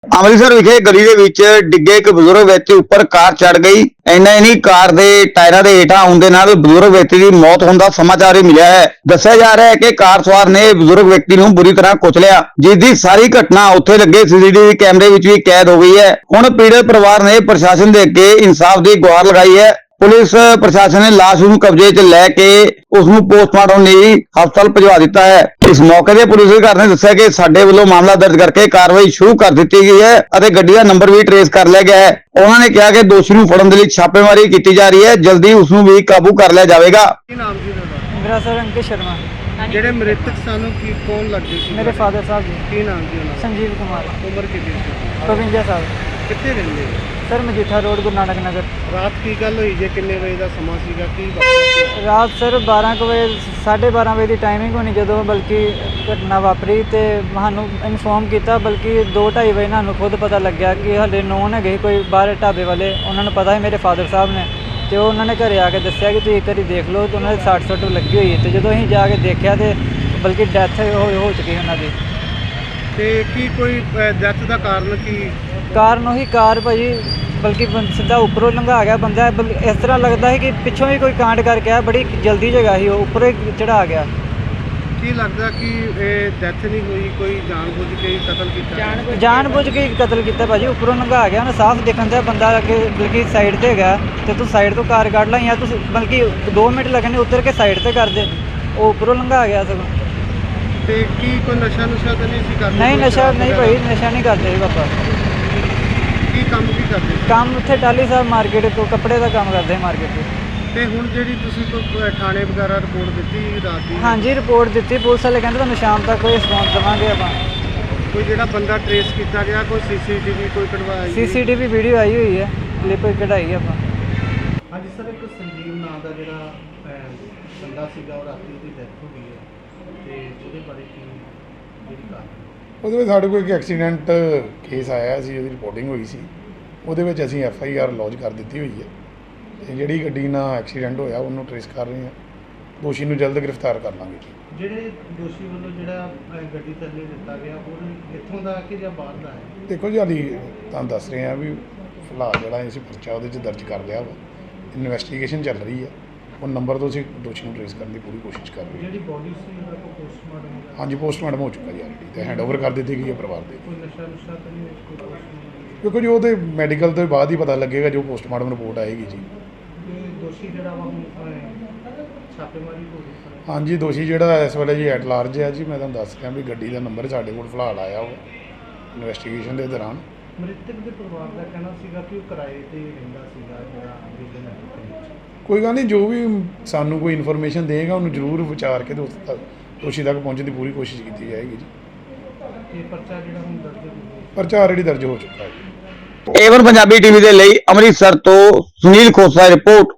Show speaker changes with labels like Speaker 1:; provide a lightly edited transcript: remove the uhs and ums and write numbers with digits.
Speaker 1: ਅੰਮ੍ਰਿਤਸਰ ਵਿਖੇ ਗਲੀ ਦੇ ਵਿੱਚ ਡਿੱਗੇ ਇੱਕ ਬਜ਼ੁਰਗ ਵਿਅਕਤੀ ਉੱਪਰ ਕਾਰ ਚੜ ਗਈ। ਇੰਨਾ ਹੀ ਨਹੀਂ, ਕਾਰ ਦੇ ਟਾਇਰਾਂ ਦੇ ਹੇਠਾਂ ਆਉਣ ਦੇ ਨਾਲ ਬਜ਼ੁਰਗ ਵਿਅਕਤੀ ਦੀ ਮੌਤ ਹੋਣ ਦਾ ਸਮਾਚਾਰ ਹੀ ਮਿਲਿਆ ਹੈ। ਦੱਸਿਆ ਜਾ ਰਿਹਾ ਹੈ ਕਿ ਕਾਰ ਸਵਾਰ ਨੇ ਬਜ਼ੁਰਗ ਵਿਅਕਤੀ ਨੂੰ ਬੁਰੀ ਤਰ੍ਹਾਂ ਕੁਚਲਿਆ, ਜਿਸ ਦੀ ਸਾਰੀ ਘਟਨਾ ਉੱਥੇ ਲੱਗੇ ਸੀਸੀਟੀਵੀ ਕੈਮਰੇ ਵਿੱਚ ਵੀ ਕੈਦ ਹੋ ਗਈ ਹੈ। ਹੁਣ ਪੀੜਤ ਪਰਿਵਾਰ ਨੇ ਪ੍ਰਸ਼ਾਸਨ ਦੇ ਅੱਗੇ ਇਨਸਾਫ ਦੀ ਗੁਹਾਰ ਲਗਾਈ ਹੈ। पुलिस प्रशासन ने लाश ਨੂੰ कब्जे च लैके उसनू पोस्टमार्टम ਲਈ ਹਸਪਤਾਲ ਭਜਵਾ ਦਿੱਤਾ ਹੈ। इस मौके ਤੇ पुलिस अधिकारी ने दस्सिया कि ਸਾਡੇ ਵੱਲੋਂ ਮਾਮਲਾ ਦਰਜ ਕਰਕੇ ਕਾਰਵਾਈ ਸ਼ੁਰੂ ਕਰ ਦਿੱਤੀ ਗਈ ਹੈ ਅਤੇ ਗੱਡੀ ਦਾ ਨੰਬਰ ਵੀ ਟ੍ਰੇਸ ਕਰ ਲਿਆ ਗਿਆ ਹੈ। ਉਹਨਾਂ ਨੇ ਕਿਹਾ ਕਿ ਦੋਸ਼ੀ ਨੂੰ ਫੜਨ ਦੇ ਲਈ ਛਾਪੇਮਾਰੀ ਕੀਤੀ ਜਾ ਰਹੀ ਹੈ, ਜਲਦੀ ਉਸ ਨੂੰ ਵੀ ਕਾਬੂ ਕਰ ਲਿਆ ਜਾਵੇਗਾ।
Speaker 2: ਕੀ ਨਾਮ ਜੀ ਤੁਹਾਡਾ?
Speaker 3: मेरा सर अंकित शर्मा।
Speaker 2: ਜਿਹੜੇ ਮ੍ਰਿਤਕ ਸਾਨੂੰ ਕੀ ਕੌਣ ਲੱਗਦੇ ਸੀ?
Speaker 3: मेरे फादर साहब जी
Speaker 2: ਕੀ ਨਾਮ ਜੀ ਉਹਨਾਂ
Speaker 3: संजीव कुमार
Speaker 2: ਦਾ? ਉਮਰ ਕਿੰਨੀ ਸੀ?
Speaker 3: 52 साल।
Speaker 2: ਕਿੱਥੇ ਰਹਿੰਦੇ ਹੋ?
Speaker 3: सर मजीठा रोड गुरु नानक नगर।
Speaker 2: ਰਾਤ ਕੀ ਗੱਲ ਹੋਈ ਜੇ? ਕਿੰਨੇ ਵਜੇ ਦਾ ਸਮਾਂ ਸੀਗਾ? ਕੀ ਵਾਪਰਿਆ?
Speaker 3: रात सर 12 ਕੁ ਵਜੇ 12:30 ਵਜੇ ਦੀ ਟਾਈਮਿੰਗ ਹੋਣੀ ਜਦੋਂ ਬਲਕਿ ਘਟਨਾ ਵਾਪਰੀ ਤੇ ਸਾਨੂੰ ਇਨਫੋਰਮ ਕੀਤਾ, ਬਲਕਿ 2:30 ਵਜੇ ਸਾਨੂੰ ਖੁਦ ਪਤਾ ਲੱਗਿਆ ਕਿ ਹਲੇ ਨੋਨ ਹੈਗੇ ਕੋਈ ਬਾਹਰ ਢਾਬੇ ਵਾਲੇ, ਉਹਨਾਂ ਨੂੰ ਪਤਾ ਹੈ ਮੇਰੇ ਫਾਦਰ ਸਾਹਿਬ ਨੇ, ਤੇ ਉਹਨਾਂ ਨੇ ਘਰੇ ਆ ਕੇ ਦੱਸਿਆ ਕਿ ਤੁਸੀਂ ਇੱਕ ਵਾਰੀ ਦੇਖ ਲਓ, ਤੇ ਉਹਨਾਂ ਦੇ 60 ਸੱਟ ਲੱਗੀ ਹੋਈ ਹੈ। ਤੇ ਜਦੋਂ ਅਸੀਂ ਜਾ ਕੇ ਦੇਖਿਆ ਤੇ ਬਲਕਿ ਡੈਥ ਹੋ ਚੁੱਕੀ ਉਹਨਾਂ ਦੀ।
Speaker 2: ਤੇ ਕੀ ਕੋਈ ਡੈਥ ਦਾ ਕਾਰਨ ਕੀ?
Speaker 3: ਕਾਰਨ ਉਹੀ ਕਾਰ ਭਾਜੀ ਬਲਕਿ ਸਿੱਧਾ ਉੱਪਰੋਂ ਲੰਘਾ ਗਿਆ ਬੰਦਾ। ਇਸ ਤਰ੍ਹਾਂ ਲੱਗਦਾ ਹੈ ਕਿ ਪਿੱਛੋਂ ਹੀ ਕੋਈ ਕਾਂਡ ਕਰਕੇ ਆਇਆ, ਬੜੀ ਜਲਦੀ ਜਗ੍ਹਾ ਸੀ, ਉਹ ਉੱਪਰੋਂ ਹੀ ਚੜਾ ਗਿਆ।
Speaker 2: ਕੀ ਲੱਗਦਾ ਕਿ ਇਹ ਡੈਥ ਨਹੀਂ ਹੋਈ, ਕੋਈ ਜਾਣਬੁੱਝ ਕੇ ਹੀ ਕਤਲ ਕੀਤਾ?
Speaker 3: ਜਾਣਬੁੱਝ ਕੇ ਹੀ ਕਤਲ ਕੀਤਾ ਭਾਜੀ, ਉੱਪਰੋਂ ਲੰਘਾ ਗਿਆ ਨਾ, ਸਾਫ਼ ਦਿਖਣ ਦਿਆ ਬੰਦਾ ਅੱਗੇ ਬਲਕਿ ਸਾਈਡ ਤੇ ਹੈਗਾ, ਤੇ ਤੂੰ ਸਾਈਡ ਤੋਂ ਕਾਰ ਕੱਢ ਲਾ ਜਾਂ ਤੂੰ ਬਲਕਿ 2 ਮਿੰਟ ਲੱਗਣੇ ਉਤਰ ਕੇ ਸਾਈਡ ਤੇ ਕਰ ਦੇ, ਉਹ ਉੱਪਰੋਂ ਲੰਘਾ ਗਿਆ ਸਗੋਂ।
Speaker 2: ਤੇ ਕੀ ਕੋਈ ਨਸ਼ਾ ਨੁਸ਼ਾ ਤਾਂ ਨਹੀਂ ਸੀ ਕਰਦੇ?
Speaker 3: ਨਹੀਂ ਨਸ਼ਾ ਨਹੀਂ ਭਾਈ, ਨਸ਼ਾ ਨਹੀਂ ਕਰਦੇ ਪਾਪਾ।
Speaker 2: ਕੀ ਕੰਮ ਕੀ ਕਰਦੇ?
Speaker 3: ਕੰਮ ਉੱਥੇ ਟਾਲੀ ਸਾਹਿਬ ਮਾਰਕੀਟ ਤੋਂ ਕੱਪੜੇ ਦਾ ਕੰਮ ਕਰਦੇ ਮਾਰਕੀਟ 'ਚ।
Speaker 2: ਤੇ ਹੁਣ ਜਿਹੜੀ ਤੁਸੀਂ ਕੋਈ ਥਾਣੇ ਵਗੈਰਾ ਰਿਪੋਰਟ ਦਿੱਤੀ ਰਾਤ ਦੀ?
Speaker 3: ਹਾਂਜੀ ਰਿਪੋਰਟ ਦਿੱਤੀ, ਪੁਲਿਸ ਵਾਲੇ ਕਹਿੰਦੇ ਤੁਹਾਨੂੰ ਸ਼ਾਮ ਤੱਕ ਕੋਈ ਰਿਸਪੌਂਸ ਦੇਵਾਂਗੇ ਆਪਾਂ।
Speaker 2: ਕੋਈ ਜਿਹੜਾ ਬੰਦਾ ਟ੍ਰੇਸ ਕੀਤਾ ਗਿਆ, ਕੋਈ ਸੀਸੀਟੀਵੀ ਕੋਈ ਕਢਵਾਈ?
Speaker 3: ਸੀਸੀਟੀਵੀ ਵੀਡੀਓ ਆਈ ਹੋਈ ਹੈ, ਕਲਿੱਪ ਕਢਾਈ ਆਪਾਂ।
Speaker 2: ਹਾਂਜੀ ਸਰ, ਇੱਕ ਸੰਜੀਵ ਨਾਂ ਦਾ ਜਿਹੜਾ ਬੰਦਾ ਸੀਗਾ, ਉਹ ਰਾਤੀ ਉਹਦੀ ਡੈਥ ਹੋ ਗਈ ਹੈ, ਤੇ ਉਹਦੇ ਬਾਰੇ ਕੀ ਜਿਹੜੀ ਗੱਲ?
Speaker 4: ਉਹਦੇ ਵਿੱਚ ਸਾਡੇ ਕੋਲ ਇੱਕ ਐਕਸੀਡੈਂਟ ਕੇਸ ਆਇਆ ਸੀ, ਉਹਦੀ ਰਿਪੋਰਟਿੰਗ ਹੋਈ ਸੀ, ਉਹਦੇ ਵਿੱਚ ਅਸੀਂ FIR ਲੌਜ ਕਰ ਦਿੱਤੀ ਹੋਈ ਹੈ। ਤੇ ਜਿਹੜੀ ਗੱਡੀ ਨਾਲ ਐਕਸੀਡੈਂਟ ਹੋਇਆ ਉਹਨੂੰ ਟ੍ਰੇਸ ਕਰ ਰਹੇ ਹਾਂ, ਦੋਸ਼ੀ ਨੂੰ ਜਲਦ ਗ੍ਰਿਫਤਾਰ ਕਰ ਲਾਂਗੇ।
Speaker 2: ਜਿਹੜੇ ਦੋਸ਼ੀ ਵੱਲੋਂ ਜਿਹੜਾ ਗੱਡੀ ਥੱਲੇ ਦਿੱਤਾ ਗਿਆ, ਉਹ ਇੱਥੋਂ ਦਾ ਕਿ ਜਾਂ ਬਾਹਰ ਦਾ ਹੈ?
Speaker 4: ਦੇਖੋ ਜੀ, ਹਾਲੀ ਤੁਹਾਨੂੰ ਦੱਸ ਰਹੇ ਹਾਂ ਵੀ ਫਿਲਹਾਲ ਜਿਹੜਾ ਅਸੀਂ ਪਰਚਾ ਉਹਦੇ 'ਚ ਦਰਜ ਕਰ ਲਿਆ ਵਾ, ਇਨਵੈਸਟੀਗੇਸ਼ਨ ਚੱਲ ਰਹੀ ਹੈ, ਉਹ ਨੰਬਰ ਤੋਂ ਅਸੀਂ ਦੋਸ਼ੀ ਨੂੰ ਟ੍ਰੇਸ ਕਰਨ ਦੀ ਪੂਰੀ ਕੋਸ਼ਿਸ਼ ਕਰ ਰਹੇ ਹਾਂ।
Speaker 2: ਜਿਹੜੀ ਬੋਡੀ ਸੀ ਉਹਦਾ ਪੋਸਟਮਾਰਟਮ?
Speaker 4: ਹਾਂਜੀ ਪੋਸਟਮਾਰਟਮ ਹੋ ਚੁੱਕਾ ਜੀ ਆਲਰੇਡੀ, ਤੇ ਹੈਂਡਓਵਰ ਕਰ ਦਿੱਤੀ ਗਈ ਹੈ ਪਰਿਵਾਰ ਦੇ।
Speaker 2: ਕੋਈ ਨਸ਼ਾ ਨੁਸ਼ਾ ਤਾਂ ਨਹੀਂ ਕੋਈ ਪੋਸਟਮਾਰਟਮ?
Speaker 4: ਦੇਖੋ ਜੀ, ਉਹਦੇ ਮੈਡੀਕਲ ਤੋਂ ਬਾਅਦ ਹੀ ਪਤਾ ਲੱਗੇਗਾ, ਜੋ ਪੋਸਟਮਾਰਟਮ ਰਿਪੋਰਟ ਆਏਗੀ ਜੀ।
Speaker 2: ਦੋਸ਼ੀ ਜਿਹੜਾ ਵਾ ਛਾਪੇਮਾਰੀ ਹੋ ਰਹੀ ਹੈ?
Speaker 4: ਹਾਂਜੀ ਦੋਸ਼ੀ ਜਿਹੜਾ ਇਸ ਵੇਲੇ ਜੀ ਐਟ ਲਾਰਜ ਹੈ ਜੀ। ਮੈਂ ਤੁਹਾਨੂੰ ਦੱਸ ਰਿਹਾ ਵੀ ਗੱਡੀ ਦਾ ਨੰਬਰ ਸਾਡੇ ਕੋਲ ਫਿਲਹਾਲ ਆਇਆ ਉਹ ਇਨਵੈਸਟੀਗੇਸ਼ਨ ਦੇ ਦੌਰਾਨ।
Speaker 2: ਮ੍ਰਿਤਕ ਦੇ ਪਰਿਵਾਰ ਦਾ ਕਹਿਣਾ ਸੀਗਾ ਕਿ ਉਹ ਕਿਰਾਏ ਤੇ ਰਹਿੰਦਾ ਸੀਗਾ ਜਿਹੜਾ ਵਿਜਨ ਹੈ।
Speaker 4: ਕੋਈ ਗੱਲ ਨਹੀਂ, ਜੋ ਵੀ ਸਾਨੂੰ ਕੋਈ ਇਨਫੋਰਮੇਸ਼ਨ ਦੇਗਾ ਉਹਨੂੰ ਜ਼ਰੂਰ ਵਿਚਾਰ ਕੇ ਦੋਸ਼ੀ ਤੱਕ ਪਹੁੰਚਣ ਦੀ ਪੂਰੀ ਕੋਸ਼ਿਸ਼ ਕੀਤੀ ਜਾਏਗੀ ਜੀ।
Speaker 2: ਇਹ ਪਰਚਾ ਜਿਹੜਾ ਹੁਣ ਦਰਜ ਹੋ ਗਿਆ?
Speaker 4: ਪਰਚਾ ਆਲਰੇਡੀ ਦਰਜ ਹੋ ਚੁੱਕਾ ਹੈ ਜੀ।
Speaker 1: ਏਵਨ ਪੰਜਾਬੀ ਟੀਵੀ ਦੇ ਲਈ ਅੰਮ੍ਰਿਤਸਰ ਤੋਂ ਸੁਨੀਲ ਖੋਸਾ ਦੀ ਰਿਪੋਰਟ।